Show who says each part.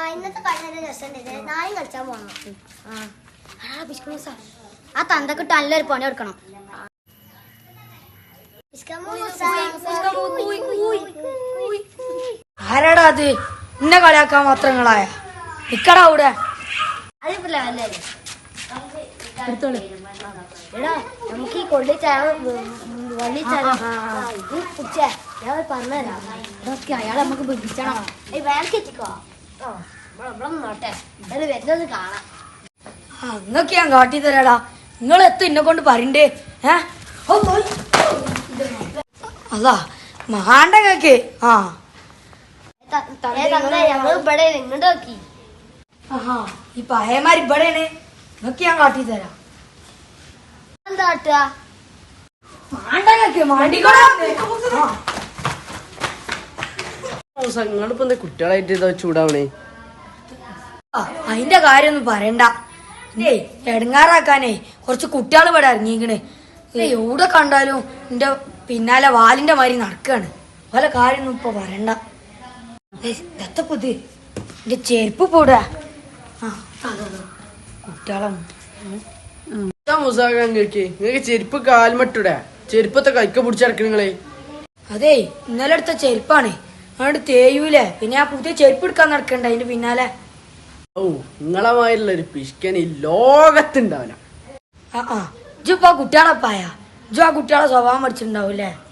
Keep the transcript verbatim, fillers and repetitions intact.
Speaker 1: ഇന്നത്തെ കളി രസമുണ്ട്. നാളെയും കളിച്ചാൻ പോകണം. ആ തന്തക്കിട്ട് നല്ലൊരു പണി എടുക്കണം.
Speaker 2: ആരാടാ അത്? ഇന്നെ കളിയാക്കാൻ മാത്രങ്ങളായ നിക്കടാ അവിടെ.
Speaker 1: എടാ നമുക്ക് ഈ കൊള്ളി വള്ളി കുടിച്ചേ ഞാൻ പറഞ്ഞുതരാം. ഇതൊക്കെ അയാളെ നമുക്ക് പിടിച്ചണം. വേലക്ക് എത്തിക്കോ. നോട്ടെ അത് വരുന്നത് കാണാം.
Speaker 2: അന്നൊക്കെ ഞാൻ കാട്ടി തരാടാ. നിങ്ങൾ എത്തും ഇന്നെ കൊണ്ട് പറയണ്ടേ? ഏ അതാ മാണ്ടങ്ങക്ക്. ആ
Speaker 1: ഞങ്ങൾ ഇവിടെ ഇങ്ങോട്ട് നോക്കി.
Speaker 2: ആഹാ ഈ പഴയമാര് ഇവിടെയാണ്. ഇതൊക്കെ ഞാൻ കാട്ടി തരാം.
Speaker 1: എന്താ കാട്ടുക?
Speaker 2: മാണ്ടങ്ങക്ക് മാണ്ടിക്കോ.
Speaker 3: നിങ്ങളിപ്പോ എന്താ കുട്ടികളായിട്ട് ചൂടാവണേ?
Speaker 2: അതിന്റെ കാര്യൊന്നും പറയണ്ട. ഏയ് എടങ്ങാറാക്കാനേ കുറച്ച് കുട്ടികൾ ഇവിടെ ഇറങ്ങിക്കണ്. എവിടെ കണ്ടാലും എന്റെ പിന്നാലെ വാലിന്റെ മാതിരി നടക്കാണ്. പല കാര്യൊന്നും ഇപ്പൊ പറയണ്ട. ദത്തപ്പത് എന്റെ ചെരുപ്പ് പോടാ. കുട്ടികളെ
Speaker 3: നിങ്ങൾക്ക് നിങ്ങൾക്ക് ചെരുപ്പ് കാൽമട്ടൂടെ? ചെരുപ്പത്തെ കൈക്ക പിടിച്ചിറക്കണ നിങ്ങളെ.
Speaker 2: അതേ ഇന്നലെ എടുത്ത ചെരുപ്പാണ്. അതുകൊണ്ട് തേയൂലേ. പിന്നെ ആ പുതിയ ചെരുപ്പ് എടുക്കാൻ നടക്കണ്ട അതിന്റെ പിന്നാലെ.
Speaker 3: ഓ നിങ്ങളമായിട്ടുള്ള ഒരു പിഷ്കൻ ഈ ലോകത്തുണ്ടാവില്ല.
Speaker 2: ആ ആ ഇജ്ജിപ്പോ ആ കുട്ടികളെ പായ ഇജ്ജു ആ കുട്ടികളെ സ്വഭാവം പഠിച്ചിട്ടുണ്ടാവൂലേ.